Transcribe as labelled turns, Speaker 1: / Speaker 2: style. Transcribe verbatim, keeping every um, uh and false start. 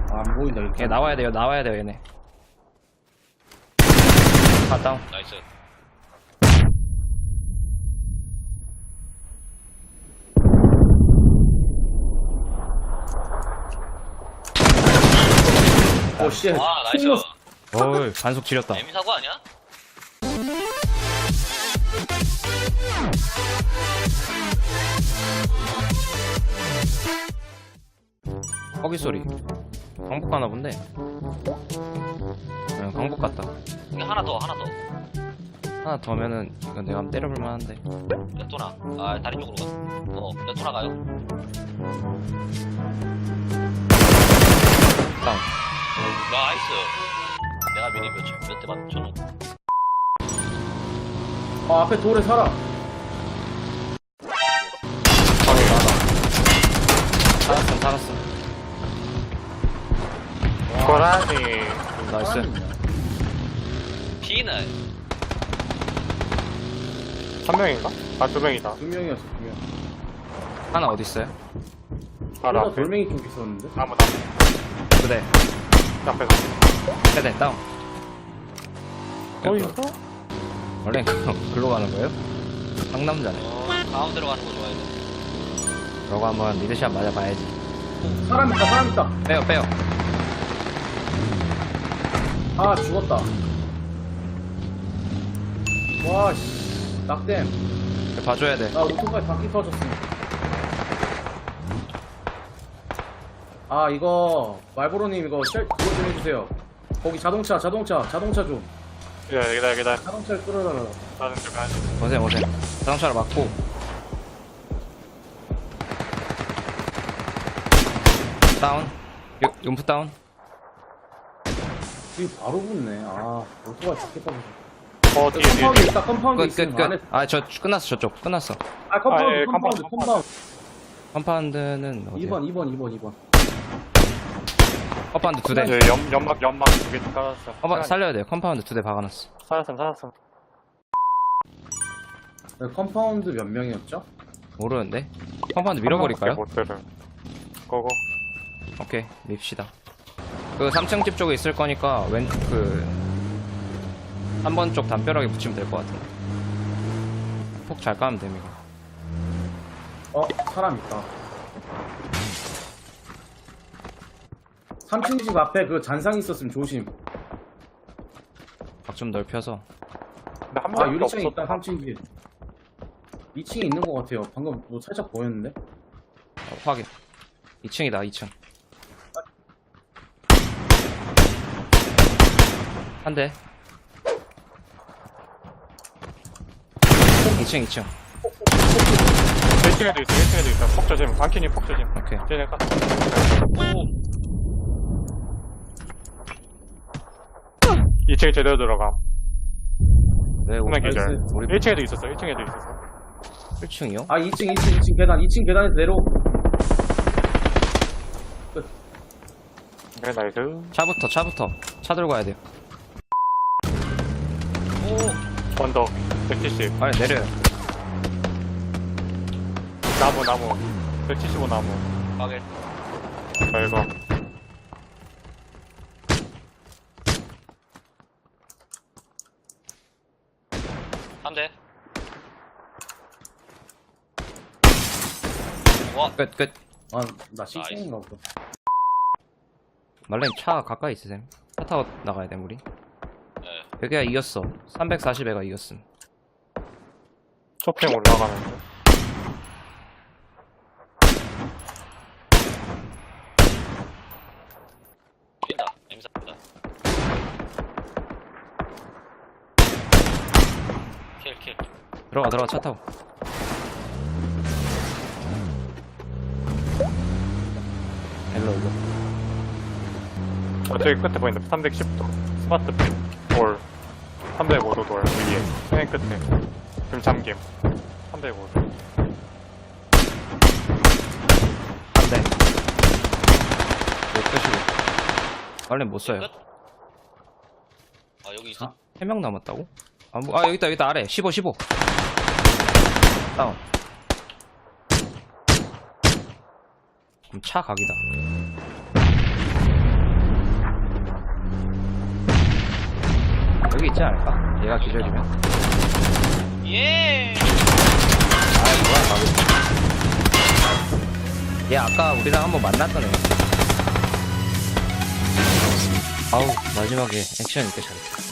Speaker 1: 아, 안 보인다, 이렇게.
Speaker 2: 얘 나와야 돼요, 나와야 돼요, 얘네. 아, 다운.
Speaker 3: 나이스.
Speaker 1: 오, 씨.
Speaker 3: 와, 나이스.
Speaker 2: 어이, 반속 지렸다.
Speaker 3: 에미 사고 아니야?
Speaker 2: 허기 소리. 강북 가나 본데. 응, 강북 같다.
Speaker 3: 이게 하나 더, 하나 더.
Speaker 2: 하나 더면은 이거 내가 한번 때려볼 만한데.
Speaker 3: 레토나. 아, 다리 쪽으로 가. 어, 레토나 가요.
Speaker 2: 다운.
Speaker 3: 나이스. 내가 미리 몇, 초- 몇 대만 쳐놓고.
Speaker 1: 아, 앞에 돌에 살아.
Speaker 2: 바로 나가. 살았음, 살았음.
Speaker 4: 고라니.
Speaker 2: 나이스.
Speaker 3: B는
Speaker 4: 한 명인가? 아, 두 명이다.
Speaker 1: 두 명이었어, 두 명.
Speaker 2: 하나 어딨어요?
Speaker 4: 바로
Speaker 1: 하나
Speaker 4: 앞에.
Speaker 1: 돌멩이 쪽 있었는데?
Speaker 4: 아무나.
Speaker 2: 그대.
Speaker 4: 앞에서.
Speaker 2: 세대 다운.
Speaker 4: 어, 있어?
Speaker 2: 원래 글로 가는 거예요? 상남자네.
Speaker 3: 어, 가운데로 가는 거 좋아해.
Speaker 2: 저거 한번 리드샷 맞아봐야지.
Speaker 1: 사람 있다, 사람 있다.
Speaker 2: 빼요, 빼요.
Speaker 1: 아, 죽었다. 와, 씨. 낙댐.
Speaker 2: 이거 봐줘야 돼.
Speaker 1: 나 오토바이 바퀴 터졌어. 아, 이거, 말보로님, 이거, 쉘, 그거 좀 해주세요. 거기 자동차, 자동차, 자동차 좀.
Speaker 4: 기다려, 기다려, 기다려.
Speaker 1: 자동차를 끌어달라.
Speaker 4: 나는 좀 가야지.
Speaker 2: 오세요, 오세요. 자동차를 막고. 다운. 요, 용프 다운.
Speaker 1: 여기 바로 붙네. 아, 오토바이 바퀴 터졌어.
Speaker 4: 어, 뒤에, 뒤에,
Speaker 1: 컴파운드
Speaker 4: 뒤에.
Speaker 1: 있다, 컴파운드
Speaker 2: 끝,
Speaker 1: 있으면
Speaker 2: 끝,
Speaker 1: 안에.
Speaker 2: 끝. 아, 저, 끝났어, 저쪽. 끝났어.
Speaker 1: 아, 컴파운드,
Speaker 4: 아, 예,
Speaker 1: 컴파운드,
Speaker 4: 컴파운드,
Speaker 1: 컴파운드.
Speaker 2: 컴파운드는 어디야?
Speaker 1: 이 번, 이 번, 이 번, 이 번.
Speaker 2: 컴파운드 두 대.
Speaker 4: 예, 연, 연막, 연막 두 개 깔았어.
Speaker 2: 컴파, 살려야 돼요. 컴파운드 두 대 박아놨어.
Speaker 4: 살았음, 살았음.
Speaker 1: 네, 컴파운드 몇 명이었죠?
Speaker 2: 모르는데? 컴파운드 밀어버릴까요?
Speaker 4: 못 들을. 고고.
Speaker 2: 오케이, 밉시다. 그 삼 층 집 쪽에 있을 거니까, 왼, 그, 삼 번 쪽 담벼락에 붙이면 될 것 같은데. 폭 잘 까면 됩니다.
Speaker 1: 어, 사람 있다. 삼 층 집 앞에 그 잔상 있었으면 조심.
Speaker 2: 각 좀 넓혀서.
Speaker 4: 근데 한
Speaker 1: 아,
Speaker 4: 명도
Speaker 1: 유리창에
Speaker 4: 없었다.
Speaker 1: 있다, 삼 층 집. 이 층에 있는 것 같아요. 방금 뭐 살짝 보였는데?
Speaker 2: 어, 확인. 이 층이다, 이 층. 한 대. 이 층, 이 층.
Speaker 4: 일 층에도 있어, 일 층에도 있어. 폭 조심. 반키니 폭 조심.
Speaker 2: 오케이.
Speaker 4: 쟤네 까. 이 층에 제대로 들어가.
Speaker 2: 왜,
Speaker 4: 후면
Speaker 2: 우리
Speaker 4: 기절.
Speaker 2: 우리
Speaker 4: 일 층에도 있었어, 일 층에도 있었어.
Speaker 2: 일 층이요?
Speaker 1: 아, 이 층, 이 층, 이 층 계단, 이 층 계단에서 내려.
Speaker 4: 그래, 나이스.
Speaker 2: 차부터, 차부터. 차 들고 가야 돼요.
Speaker 4: 언덕. 백칠십.
Speaker 2: 빨리 내려요.
Speaker 4: 나무, 나무. 백칠십오 나무.
Speaker 3: 가게.
Speaker 4: 자, 이거.
Speaker 3: 한 대. 와,
Speaker 2: 끝, 끝.
Speaker 1: 아, 나 씩씩인가 보다.
Speaker 2: 말렌 차 가까이 있으셈. 차 타고 나가야 돼, 우리.
Speaker 3: 네.
Speaker 2: 여기가 이겼어. 삼백사십에가 이겼음.
Speaker 4: 쇼핑 올라가는데.
Speaker 3: 뛴다. 에미 사다. 킬, 킬.
Speaker 2: 들어가, 들어가, 차 타고. 일로, 일로.
Speaker 4: 어, 저기 끝에 보인다. 삼백십 도. 스마트 핀. 돌. 삼백오 도 돌. 위에. 맨 끝에. 금 잠김. 삼백오 도.
Speaker 2: 안 돼. 못 끄시고. 말렌 못 써요.
Speaker 3: 끝? 아, 여기 있어?
Speaker 2: 세 명 남았다고? 아, 뭐, 아, 여기 있다, 여기 있다, 아래. 십오, 십오. 다운. 그럼 차 각이다. 있지 않을까? 얘가 기절이면.
Speaker 3: 예.
Speaker 2: 아, 뭐야, 얘 아까 우리랑 한번 만났던 애. 아우, 마지막에 액션 있게 잘했다.